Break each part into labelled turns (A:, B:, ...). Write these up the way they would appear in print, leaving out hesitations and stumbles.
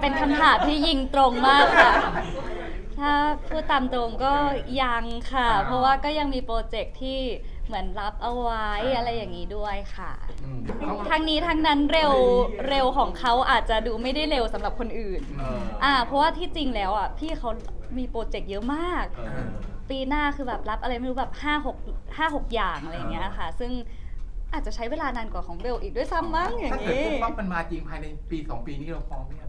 A: เป็นคำถามที่ยิงตรงมากค่ะ ถ้าพูดตามตรงก็ยังค่ะ เพราะว่าก็ยังมีโปรเจกต์ที่เหมือนรับเอาไว้อะไรอย่างนี้ด้วยค่ะ ทางนี้ทางนั้นเร็วของเขาอาจจะดูไม่ได้เร็วสำหรับคนอื่น เพราะว่าที่จริงแล้วอ่ะพี่เขามีโปรเจกต์เยอะมาก ปีหน้าคือแบบรับอะไรไม่รู้แบบ5-6อย่างอะไรอย่างเงี้ยค่ะ ซึ่งอาจจะใช้เวลานานกว่าของเบลอีกด้วยซ้ำมั้งอย่าง
B: ถ้าเกิด
A: นี้
B: ปุ๊บปั๊บมันมาจริงภายในปี2 ปีนี้เราพร้อมไหมครับ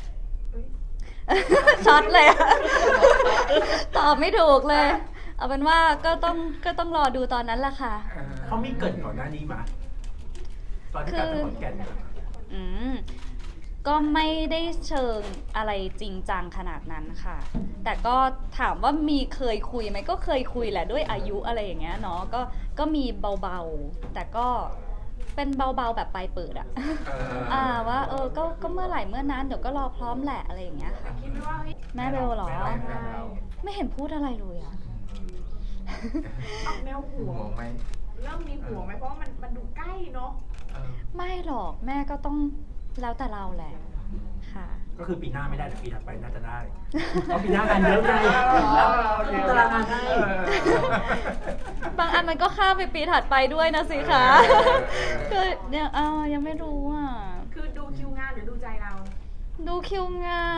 A: ช็อตเลยอะ ตอบไม่ถูกเลย เอาเป็นว่าก็ต้องรอดูตอนนั้นแหละค่ะ
C: เขามีเกริดก่อนหน้านี้มาตอนที่กลับไปขอนแก่นเนี่ย
A: อืมก็ไม่ได้เชิงอะไรจริงจังขนาดนั้นค่ะ แต่ก็ถามว่ามีเคยคุยไหมก็เคยคุยแหละด้วยอายุอะไรอย่างเงี้ยเนาะก็มีเบาๆแต่ก็เป็นเบาๆแบบปลายเปิดอะ ว่าก็เมื่อไหร่เมื่อนั้นเดี๋ยวก็รอพร้อมแหละอะไรอย่างเงี้ยค่ะ
D: คิดไหมว่าเฮ้ย
A: แม่เบลเหรอ
B: แม่เรา
A: ไม่เห็นพูดอะไรเลยอะ
D: ออกแนวห่ว
B: ห่ว
D: ง
B: งไหม
D: เริ่มมีห่วงไหมเพราะว่ามันดูใกล้เนาะ
A: ไม่หรอกแม่ก็ต้องแล้วแต่เราแหละค่ะ
C: ก็คือปีหน้าไม่ได้แต่ปีถัดไปน่าจะได้เพราะปีหน้างานเยอะไงตารางงานให้
A: บางอันมันก็ข้ามไปปีถัดไปด้วยนะสิคะ คือเนี่ยยังไม่รู้อ่ะ
D: คือดูคิวงานหรือดูใจเรา
A: ดูคิวงาน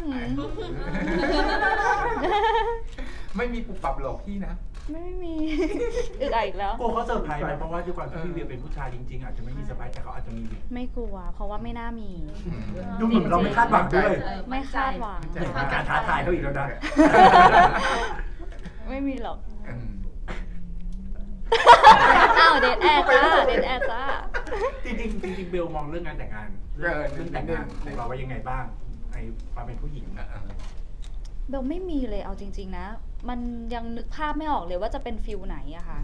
B: ไม่มีปุบปับหลอกพี่นะ
A: ไม่มี อึกอักอีกแล้ว
C: กลัวเขาเซอร์ไพรส์ไหมเพราะว่าด้วยความที่พี่เวียเป็นผู้ชายจริงๆอาจจะไม่มีเซอร์ไพรส์แต่เขาอาจจะมี
A: ไม่กลัว เพราะว่าไม่น่ามี
C: ดูเหมือนเราไม่คาดหวังด้วย
A: ไม่คาดหวัง
B: ใจ
C: เป็นการท้าทายเขาอีกแล้วนะ
A: ไม่มีหรอก
B: อืม
A: อ้าวเดทแอร์จ้าเดทแอร์จ้า
C: จริงๆเบลมองเรื่องงานแต่งงานเรื่องแต่งงานของเราไว้ยังไงบ้างในความเป็นผู้หญิงนะ
A: เบลไม่มีเลยเอาจริง ๆ นะ มันยังนึกภาพไม่ออกเลยว่าจะเป็นฟิลไหนอะค่ะ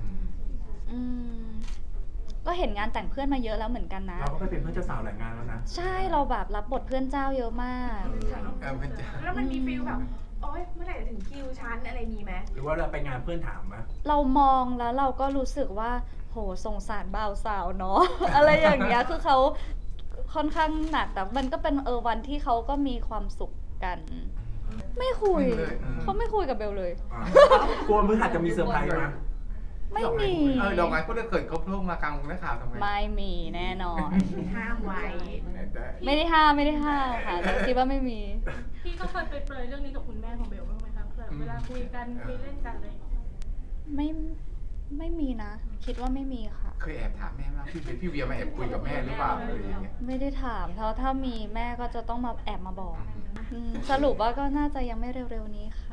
A: ก็เห็นงานแต่งเพื่อนมาเยอะแล้วเหมือนกันนะ
C: เราก็ไปเป็นเพื่อนเจ้าสาวหลายงานแล้วนะ
A: ใช่เราแบบรับบทเพื่อนเจ้าเยอะมาก
B: มันจะ
D: แล้วมันมีฟีลแบบ โอ๊ย เมื่อไหร่จะถึงคิวฉันอะไรมีไหม
C: หรือว่าเราไปงานเพื่อนถามมา
A: เรามองแล้วเราก็รู้สึกว่าโหสงสารบ่าวสาวเนาะ อะไรอย่างเงี้ยคือเขาค่อนข้างหนักแต่มันก็เป็นวันที่เขาก็มีความสุขกัน ไม่คุยเขาไม่คุยกับเบลเลย
C: กลัวมือหัดจะมีเซอร์ไพรส์นะ
A: ไม่มี
B: ดอกไม้ก็ได้เกิดเขาโผล่มากลางนักข่าวทำไม
A: ไม่มีแน่นอน
D: ห้ามไว้
A: ไม่ได้ห้ามค่ะแต่คิดว่าไม่มี
E: พี่ก็เคยไปเปรยเรื่องนี้กับคุณแม่ของเบลบ้างไหมคะแบบเวลาคุยกันคุยเล่นกันอะไรอย่างเงี้ย
A: ไม่มีนะ คิดว่าไม่มีค่ะ
B: เคยแอบถามแม่ว่าพี่เวียมาแอบคุยกับแม่หรือเปล่าอะไรอย่างเงี้ย
A: ไม่ได้ถามเพราะถ้ามีแม่ก็จะต้องมาแอบมาบอกสรุปว่าก็น่าจะยังไม่เร็วๆนี้ค่ะ